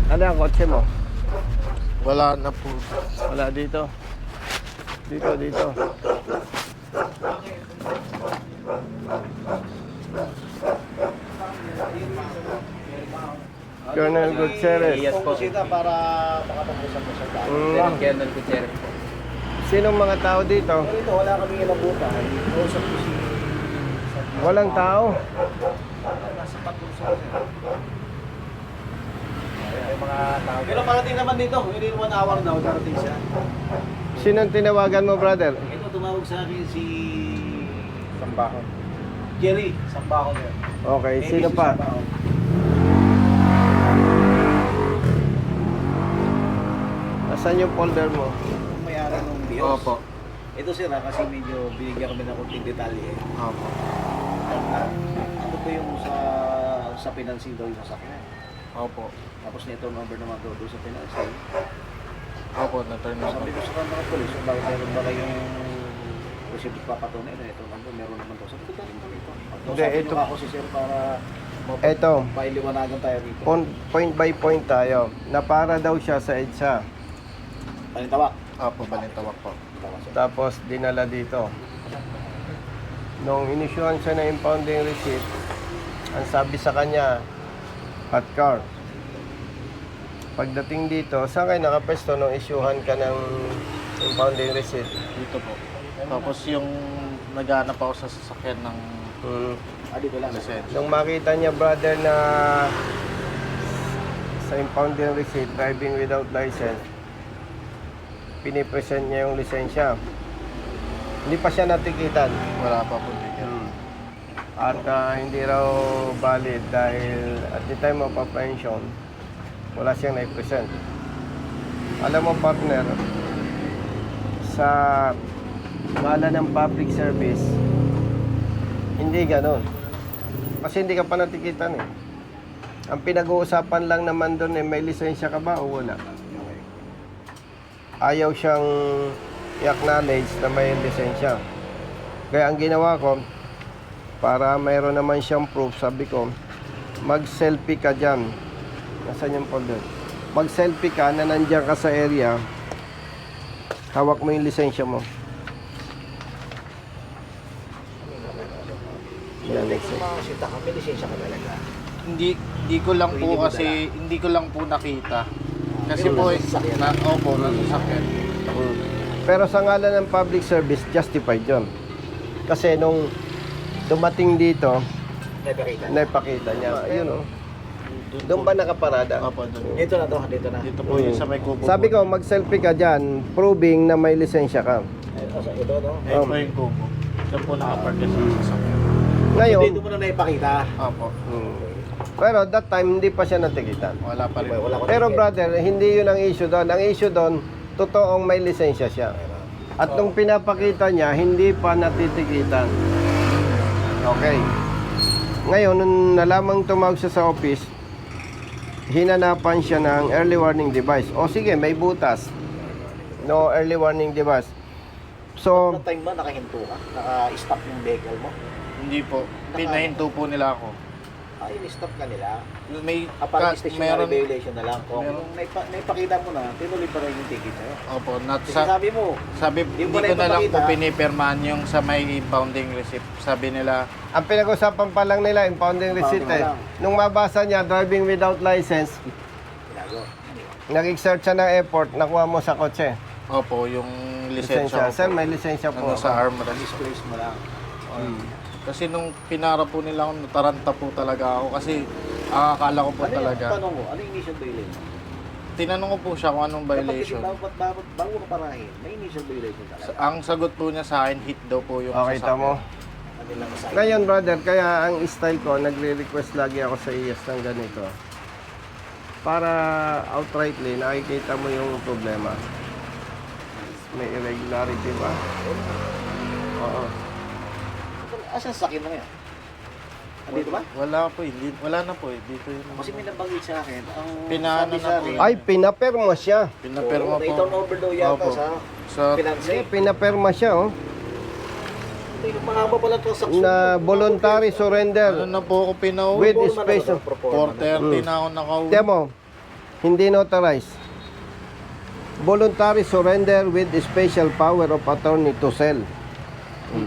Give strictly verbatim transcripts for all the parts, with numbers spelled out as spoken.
Ano ang kotse mo? Wala na po. Wala dito. Dito, dito. Colonel Gutierrez. Yes po. Para makapag-usap mo sa tao. Mm. Colonel Gutierrez po. Sinong mga tao dito? Dito, wala kami inabutan. Kausap ko si... Walang tao. Nasa pag-usap siya. May mga tao. Pero parating naman dito. Within one hour daw, darating siya. Sinong tinawagan mo, brother? Ito, tumawag sa akin si... Sambahon. Jerry. Sambako niya. Okay, sino pa? Nasaan yung folder mo? Yung may-ari ng Bios. Opo. Ito sila kasi medyo binigyan kami ng kunting detalye. Opo. Ito po yung sa sa financing daw yung sasakyan. Opo. Tapos na-turn over naman daw doon sa financing. Opo, na-turn over. Sabi ko sa kanila ng polis, bakit meron ba kayong posible papatunay na ito nandun, meron naman daw. Sabi ko, galing kami ito. Hindi, Sabi ito- nyo ako si sir para Ito, pailiwanagan tayo rito. on, point by point tayo. Na para daw siya sa EDSA. Palintawak. Opo, balintawak po. Tawak siya. Tapos dinala dito. Nung inisyuhan siya ng impounding receipt, ang sabi sa kanya, hot car. Pagdating dito, saan kayo nakapesto nung isyuhan ka ng impounding receipt? Dito po. Tapos yung naghanap ako sa sasakyan ng Hmm. Ah, dito lang. lisensya. Nung makita niya, brother, na sa impounding receipt, driving without license, pinipresent niya yung lisensya. Hindi pa siya natikitan. Wala pa po ticket. At ah, hindi raw valid dahil at the time of apprehension, wala siyang na-present. Alam mo, partner, sa ngala ng public service, hindi ganon. Kasi hindi ka pa natikitan eh. Ang pinag-uusapan lang naman doon eh, may lisensya ka ba o wala? Ayaw siyang i-acknowledge na may lisensya. Kaya ang ginawa ko, para mayroon naman siyang proof, sabi ko, mag-selfie ka dyan. Nasaan yung folder? Mag-selfie ka na nandiyan ka sa area, hawak mo yung lisensya mo. Yan, next Kung makasita ka, may lisensya ka talaga. Hindi hindi ko lang po kasi hindi ko lang po nakita. Kasi Pero po nasa sasakyan. na opo, nasa sasakyan. Mm. Pero sa ngalan ng public service, justified yun. Kasi nung dumating dito, May pakita. naipakita niya. Yun o. Doon ba nakaparada? Opo, doon. Dito na to, dito na. Dito po yung sa may kubo. Sabi ko, mag-selfie ka dyan, proving na may lisensya ka. Ito, ito, no? Ayun po yung kubo. Doon po nakapark sa sasakyan. Ngayon, Dito mo na naipakita. Opo. mm, pero that time, hindi pa siya natikitan. Wala pa rin. Wala ko Pero ticket. brother, hindi yun ang issue doon. Ang issue doon, totoong may lisensya siya. At nung pinapakita niya, hindi pa natitikitan. Okay. Ngayon, nung nalamang tumawag siya sa office, hinanapan siya ng early warning device. O sige, may butas. No early warning device. So, Ano time ba nakahinto ka? Naka-stop yung vehicle mo? Hindi po. Pinahinto po nila ako. Ay, in-stop ka nila. May Ah, parang ka- stationary meron. violation na lang. Kung meron. naipa, naipakita mo na, tinuloy pa rin yung ticket sa'yo. Opo, not Kasi sa, sabi mo, sabi Di hindi mo na ko na lang po ipapakita. pinipirmahan yung sa may impounding receipt. Sabi nila, ang pinag-usapan pa lang nila, impounding receipt Impounding eh. lang. Nung mabasa niya, driving without license, tinago. nag-exert siya ng airport, nakuha mo sa kotse. opo, yung lisensya Lisensya. Sir, ko po. may lisensya po. Ano, sa armrest. Displace mo lang. Kasi nung pinara po nila ako, nataranta po talaga ako. Kasi ah, akala ko po Ano yung talaga. tanong mo? Ano yung initial violation? Tinanong ko po siya kung anong violation. Dapat, dapat, dapat, bago ka parahin, may initial violation talaga. Sa- Ang sagot po niya sa akin, hit daw po yung Okay, sasakyan. tamo. Ano lang sa Ngayon, brother, kaya ang style ko, nagre-request lagi ako sa I A S ng ganito. Para outrightly, nakikita mo yung problema. May irregularity ba? Oo. Asan sa sakyan mo ngayon? Andito ba? Wala po, hindi, wala na po eh. Dito yun. Kasi may nabanggit sa akin, ang Pinaano sabi na sa po akin, yun. Ay, pinaperma siya. Pinapirma po. Na-turn over daw yata Opo. sa Sa, finance. Eh, pinaperma siya, oh. Ito yung mahaba pala transaction. Na voluntary ano surrender na po ako pinauwi? with space of... four thirty na ako nakauwi. Tiyan mo, Hindi notarized. Voluntary surrender with special power of attorney to sell. Hmm.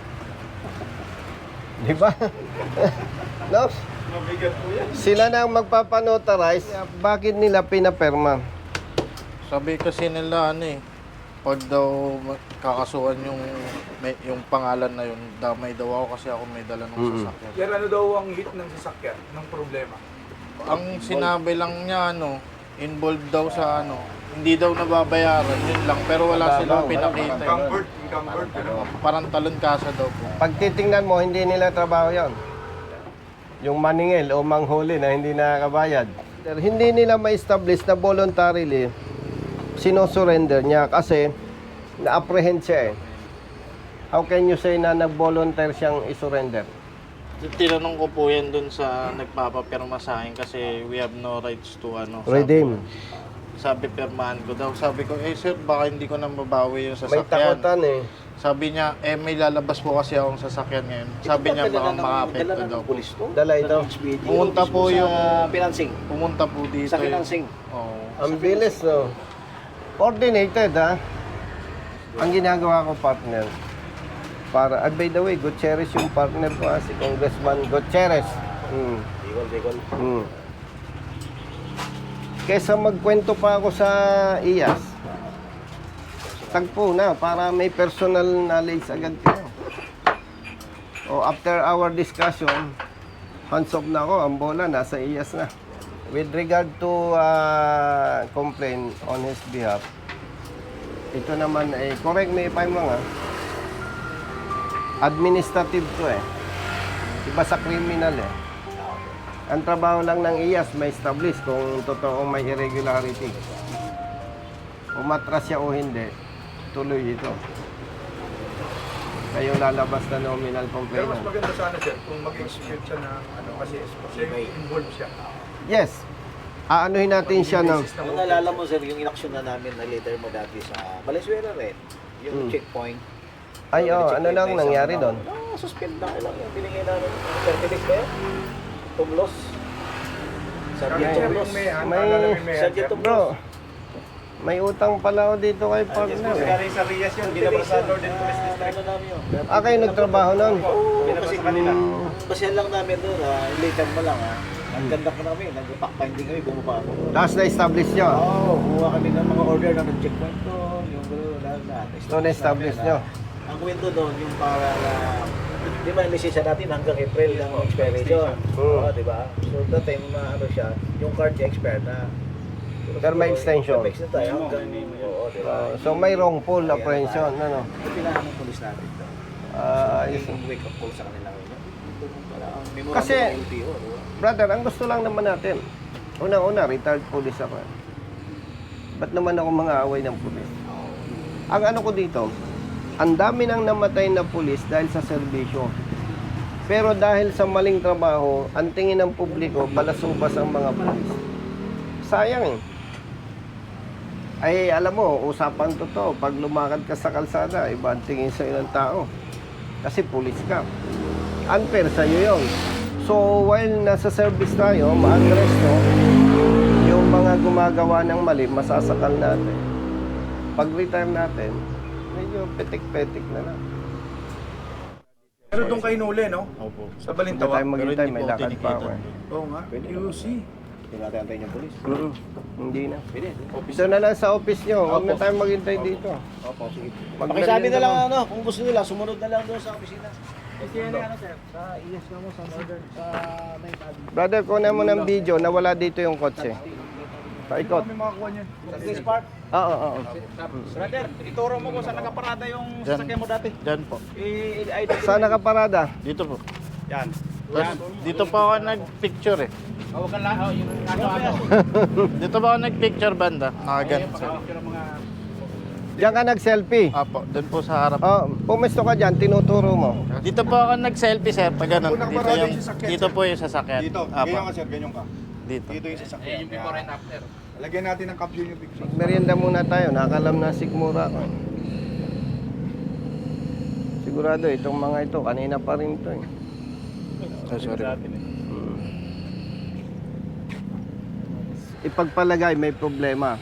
Di ba? No? Sila na ang magpapanotarize. Bakit nila pinaperma? Sabi kasi nila ano eh, pag daw ma- kakasuhan yung may, yung pangalan na yun, damay daw ako kasi ako may dala ng Mm. sasakyan. Yan ano daw ang hit ng sasakyan, ng problema. Ang sinabi lang niya ano, involved daw sa ano, hindi daw nababayaran, yun lang. Pero wala Mababaw, silang wala, pinakita. eh. Encumbered, encumbered. Ano? Parang talon kasa daw po. Pag titingnan mo, hindi nila trabaho yon. Yung maningil o manghuli na hindi nakakabayad. Hindi nila ma-establish na voluntarily sino-surrender niya kasi na-apprehend siya eh. How can you say na nag-volunteer siyang isurrender? Tinanong ko po yan dun sa nagpapapirma sa akin kasi we have no rights to ano. Redeem. Sabi, sabi pirmahan ko daw. Sabi ko, eh sir, baka hindi ko na mabawi yung May sasakyan. takutan eh. Sabi niya, eh may lalabas po kasi akong sasakyan ngayon. Sabi niya, baka makapekto Dala daw ng po. pulis to. Dala ito. Ng H B D. Pumunta po Mismo yung- Sa financing. Pumunta po dito. Sa yung- financing. Oo. Ang bilis no. Coordinated ha. Ang ginagawa ko partner. Para, ah, by the way, Gutierrez yung partner ko ha, si Congressman Gutierrez. Hmm. Bicol, Bicol. Hmm. Kesa magkwento pa ako sa I A S, tagpo na para may personal knowledge agad kayo. O after our discussion, hands off na ako, ang bola nasa I A S na. With regard to uh, complaint on his behalf, ito naman ay, correct me if I'm wrong ha, administrative to eh. Iba sa criminal eh. Ang trabaho lang ng I A S may establish kung totoong may irregularity. Umatras siya o hindi, tuloy ito. Kayo lalabas na nominal Pero mas complainant. maganda sana sir kung mag-execute siya ng ano kasi siya yung involved siya. Yes. Aanuhin natin siya ng... Basis ng Yung naalala mo sir, yung inaksyon na namin na leader mo dati sa Valenzuela rin. Yung Hmm. checkpoint. Ay, oh, ano Checkpoint lang na isang nangyari tao. doon? No, suspend lang lang. Binigay namin. Certificate ba yun? Tumlos. Sergeant Okay. Tumlos. May, may, May- may, Sergeant Tumlos. Bro, may utang pala ako dito kay partner eh. sa Rias yun, ginabrasador din police district. Ano namin yun? Ah, kayo nagtrabaho nun? Oo, Binabasa kasi kanila. Hmm. basyan lang namin doon. ah, Later mo lang ha. Ang ganda ko namin. Nag-pack-finding kami. Bumaba ako. Tapos na-establish nyo? Oo, kumuha kami ng mga order na nag-checkpoint doon. Yung gano'n, lahat lahat. So, na-establish nyo? Ang kwento doon, yung para na, di ba, yung lisensya natin hanggang April ng expiration. Oo. Oo, di ba? So, that time, na, ano siya, yung card niya expired na. Pero may extension. May extension tayo hanggang, oo, di ba? Uh, so, may wrongful apprehension, ano? Ito pinahan ng polis natin to. Ah, yes. Yung wake up call sa kanila. Memorandum Kasi- ng L T O, di ba? Brother, ang gusto lang naman natin, una-una, retired police ako. Ba't naman ako mga away ng pulis? Ang ano ko dito, ang dami nang namatay na pulis dahil sa serbisyo. Pero dahil sa maling trabaho, ang tingin ng publiko, balasubas ang mga pulis. Sayang eh. Ay, alam mo, usapan to to. Pag lumakad ka sa kalsada, iba ang tingin sa ng tao. Kasi pulis ka. Unfair sa'yo yun. So, while nasa service tayo, ma-address to, yung mga gumagawa ng mali, masasakal natin. Pag-retire natin, medyo petik-petik na lang. Pero doon kayo nuli, no? Opo. Sa Hindi Balintawak. tayo maghintay, may Pero hindi po lakad pa tinikita. ako eh. Oo nga, you see. Hindi natin antayin yung polis. Mm, Hindi na. Pwede. Ito na lang sa office nyo, huwag na tayo maghintay dito. Opo, sige. Mag- Pakisabi na lang mo. ano, kung gusto nila, sumunod na lang doon sa opisina. Kasi yan ano sir, sa I A S na mo, sa Northern, sa Main Cabin. Brother, kunin mo ng video na wala dito yung kotse. Paikot. Kami makakuha niyan. Sa Grace Park. Oo, oo, oo. Brother, ituro mo kung saan nakaparada yung Dyan. sasakyan mo dati. Dyan po. I-I-I. Saan nakaparada? Dito po. Yan. Tapos, dito pa ako nag-picture eh. Oh, wag kang lang. Oh, yung ano ano. Dito pa ako nag-picture banda. Nakaganto sa. Diyan ka nag-selfie. Apo, doon po sa harap. Oh, pumesto ka dyan, tinuturo mo. Dito po ako nag-selfie sir, pag ganun. Unang Dito, parada yung, yung sasakyan, dito sir. po yung sasakyan. Dito, Apo, ganyan ka sir, ganyan ka. dito. Dito yung sasakyan. yung before and after. Lagyan natin ng caption yung picture. Merienda muna tayo, nakalam na sikmura ko. Sigurado itong mga ito, kanina pa rin ito eh. Oh, sorry. Hmm. ipagpalagay may problema.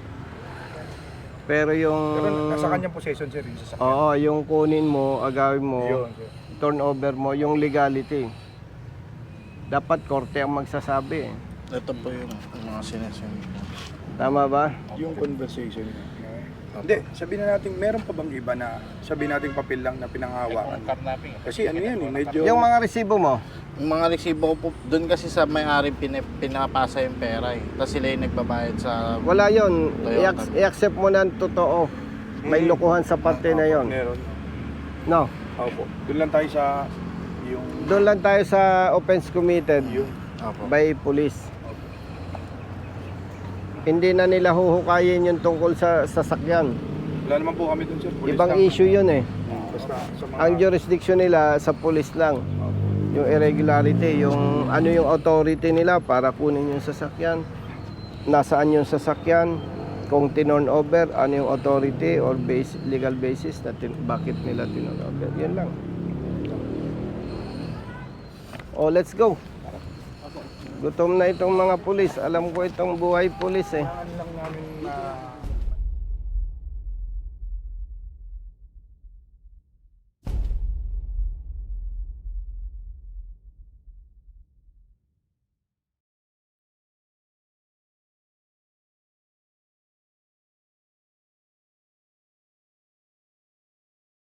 Pero yung... Pero nasa kanyang possession sir yung sasakyan. Oo, yung kunin mo, agawin mo, Yun, sir. turnover mo, yung legality. Dapat korte ang magsasabi. eh. Ito po yung mga sinasabi. Tama ba? Yung conversation niya. Hindi, sabihin na natin, meron pa bang iba na sabihin natin papel lang na pinanghawakan? Kasi ano yan eh, medyo... Yung mga resibo mo, Yung mga resibo ko po, doon kasi sa may-ari pin- pinapasa yung pera eh. Tapos sila yung nagbabayad sa... wala yon. Toyota. I-accept mo na ang totoo. May lukuhan sa parte na yon. Meron. No. Opo. Doon lang tayo sa yung... Doon lang tayo sa offense committed Yung... Apo. by police. Hindi na nila huhukayin yung tungkol sa sasakyan. Wala naman po kami doon sir. Police Ibang lang. issue yun eh. Basta sa mga... Ang jurisdiction nila sa police lang. Yung irregularity, yung ano yung authority nila para kunin yung sasakyan. Nasaan yung sasakyan? Kung tinorn over, ano yung authority or base, legal basis na tin- bakit nila tinorn over. Yun lang. Oh, let's go. Gutom na itong mga pulis. Alam ko itong buhay pulis eh.